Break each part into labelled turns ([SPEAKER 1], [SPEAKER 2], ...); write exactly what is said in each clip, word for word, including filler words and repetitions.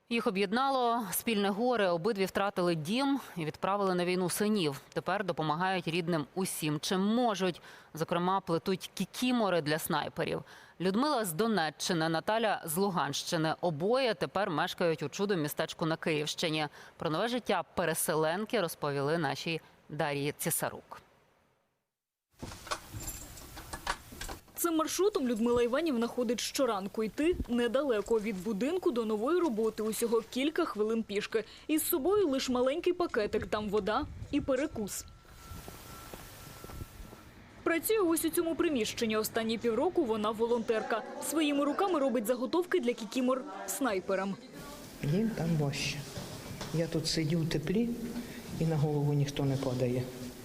[SPEAKER 1] Їх об'єднало спільне горе, обидві втратили дім і відправили на війну синів. Тепер допомагають рідним усім, чим можуть. Зокрема, плетуть кікімори для снайперів. Людмила з Донеччини, Наталя з Луганщини. Обоє тепер мешкають у чудо-містечку на Київщині. Про нове життя переселенки розповіли нашій Дар'ї Цісарук.
[SPEAKER 2] Цим маршрутом Людмила Іванівна ходить щоранку. Йти недалеко від будинку до нової роботи, усього кілька хвилин пішки. Із собою лише маленький пакетик, там вода і перекус. Працює ось у цьому приміщенні. Останні півроку вона волонтерка. Своїми руками робить заготовки для кікімор снайперам.
[SPEAKER 3] Їм там важче. Я тут сидю в теплі і на голову ніхто не падає.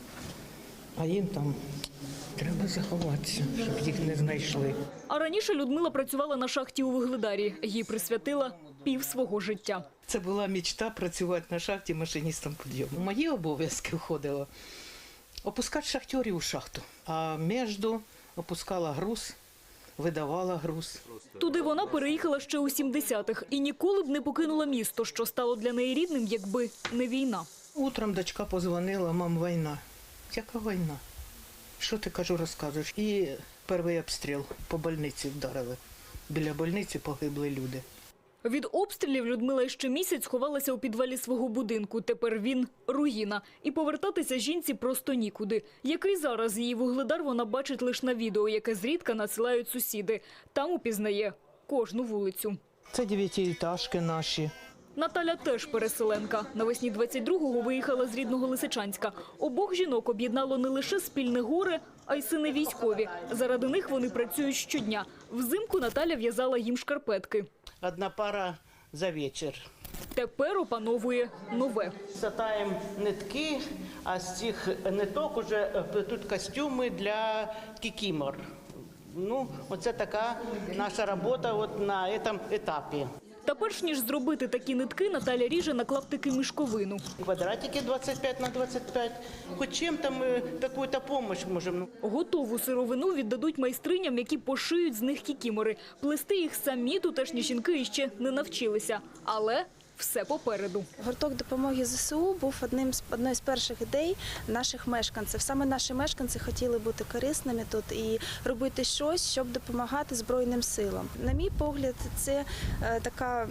[SPEAKER 3] А їм там треба заховатися, щоб їх не знайшли.
[SPEAKER 2] А раніше Людмила працювала на шахті у Вугледарі. Їй присвятила пів свого життя.
[SPEAKER 3] Це була мечта працювати на шахті машиністом підйому. В мої обов'язки входило опускати шахтарів у шахту, а між опускала груз, видавала груз.
[SPEAKER 2] Туди вона переїхала ще у сімдесятих і ніколи б не покинула місто, що стало для неї рідним, якби не війна.
[SPEAKER 3] Утром дочка позвонила: мам, війна. Яка війна? Що ти, кажу, розказуєш? І перший обстріл по больниці вдарили. Біля больниці погибли люди.
[SPEAKER 2] Від обстрілів Людмила ще місяць ховалася у підвалі свого будинку. Тепер він – руїна. І повертатися жінці просто нікуди. Який зараз її Вугледар вона бачить лише на відео, яке зрідка надсилають сусіди. Там упізнає кожну вулицю.
[SPEAKER 3] Це дев'ятиэтажки наші.
[SPEAKER 2] Наталя теж переселенка. Навесні двадцять другого виїхала з рідного Лисичанська. Обох жінок об'єднало не лише спільне горе, а й сини військові. Заради них вони працюють щодня. Взимку Наталя в'язала їм шкарпетки.
[SPEAKER 3] Одна пара за вечір.
[SPEAKER 2] Тепер опановує нове.
[SPEAKER 3] Сатаємо нитки, а з цих ниток вже плетуть костюми для кікімор. Ну, оце така наша робота от на цьому етапі.
[SPEAKER 2] Та перш ніж зробити такі нитки, Наталя ріже на клаптики мішковину.
[SPEAKER 3] Квадратики двадцять п'ять на двадцять п'ять. Хоч чим-то ми якусь допомогу можемо.
[SPEAKER 2] Готову сировину віддадуть майстриням, які пошиють з них кікімори. Плести їх самі тутешні жінки іще не навчилися. Але все попереду.
[SPEAKER 4] Гурток допомоги ЗСУ був одним з одною з перших ідей наших мешканців. Саме наші мешканці хотіли бути корисними тут і робити щось, щоб допомагати Збройним силам. На мій погляд, це е, така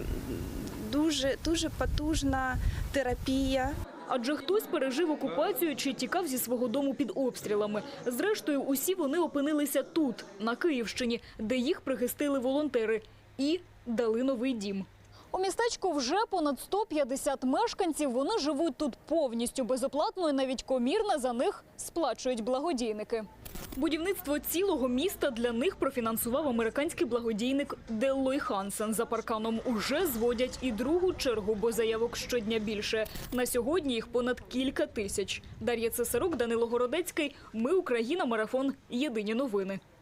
[SPEAKER 4] дуже, дуже потужна терапія.
[SPEAKER 2] Адже хтось пережив окупацію чи тікав зі свого дому під обстрілами. Зрештою, усі вони опинилися тут, на Київщині, де їх прихистили волонтери і дали новий дім. У містечку вже понад сто п'ятдесят мешканців. Вони живуть тут повністю безоплатно і навіть комірне за них сплачують благодійники. Будівництво цілого міста для них профінансував американський благодійник Деллой Хансен. За парканом уже зводять і другу чергу, бо заявок щодня більше. На сьогодні їх понад кілька тисяч. Дар'я Цесарук, Данило Городецький. Ми Україна. Марафон. Єдині новини.